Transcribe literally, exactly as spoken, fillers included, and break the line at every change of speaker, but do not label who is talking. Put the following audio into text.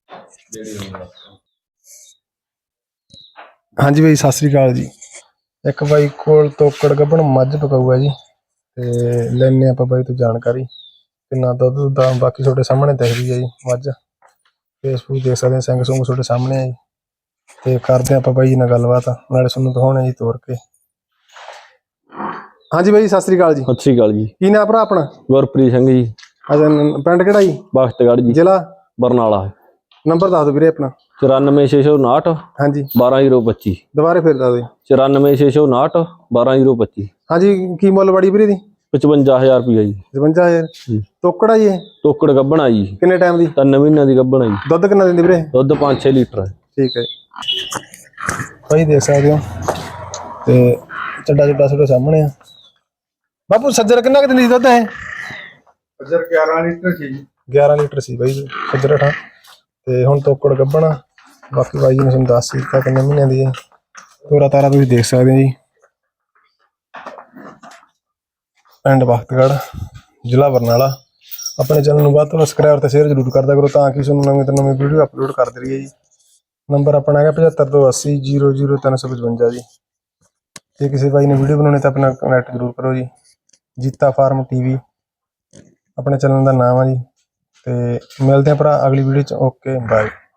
हाँ जी भाई सत श्री अकाल जी। एक बाई कोल तोकड़ गब्बन मझ पकाऊ है जी, ते लैने आप बाई तो जानकारी किन्ना दुद्ध दुद्ध बाकी थोड़े सामने दिख रही है जी मझ। फेसबुक देख सकते सिंग सुंग थोड़े सामने है जी, ते करते आप बाई जी नाल गलबात नाले सुनू दिखाने जी तोड़ के। हाँ जी भाई सत श्री अकाल जी।
सत श्री अकाल जी।
की नाम भरा अपना?
गुरप्रीत सिंह जी।
अच्छा पिंड किहड़ा जी?
बख्तगढ़ जी।
जिला
बरनाला।
नंबर दस दो वीरे अपना।
चौरानवे छे सौ उनाहठ
हाँ जी
बारह जीरो पच्ची।
दोबारा फिर दस दो।
चौरानवे छे सौ उनाहठ बारह जीरो पच्ची।
हाँ जी की मुल बड़ी वीरे दी?
पचवंजा हजार रुपया जी।
पचवंजा हजार तोकड़ा जी?
टोकड़ गब्बन जी।
किन्ने टाइम दी? तीन
महीने की गब्बन है जी।
दुद्ध किन्ना दिंदी वीरे?
दुद्ध पाँच छे लीटर है।
ठीक है भाई देख सकते हो ते चड्डा चुड्डा थोड़े सामने है। बापू सज्जर किन्ना क दिंदी दुद्ध है? सज्जर ग्यारह लीटर सी। ग्यारह लीटर सी भाई सज्जर ठा ते हुण तोकड़ गब्बन। बाकी भाई जी ने तुहानूं दस दित्ता किन्ने महीने दी है। तोरा तारा तुसीं देख सकते हो जी। पिंड बख्तगढ़ जिला बरनाला। अपने चैनल में वध सबसक्राइब तो शेयर जरूर करदा करो ताकि तुहानूं नवीं तो नवीं वीडियो अपलोड करते रहिए जी। नंबर अपना है पचहत्तर दो अस्सी जीरो जीरो तीन सौ पचवंजा जी। जे किसी भाई ने वीडियो बनानी तो अपना कनैक्ट जरूर करो जी। जीता फार्म टीवी अपने चैनल का नाम है जी। तो मिलते हैं भरा अगली वीडियो च। Okay bye.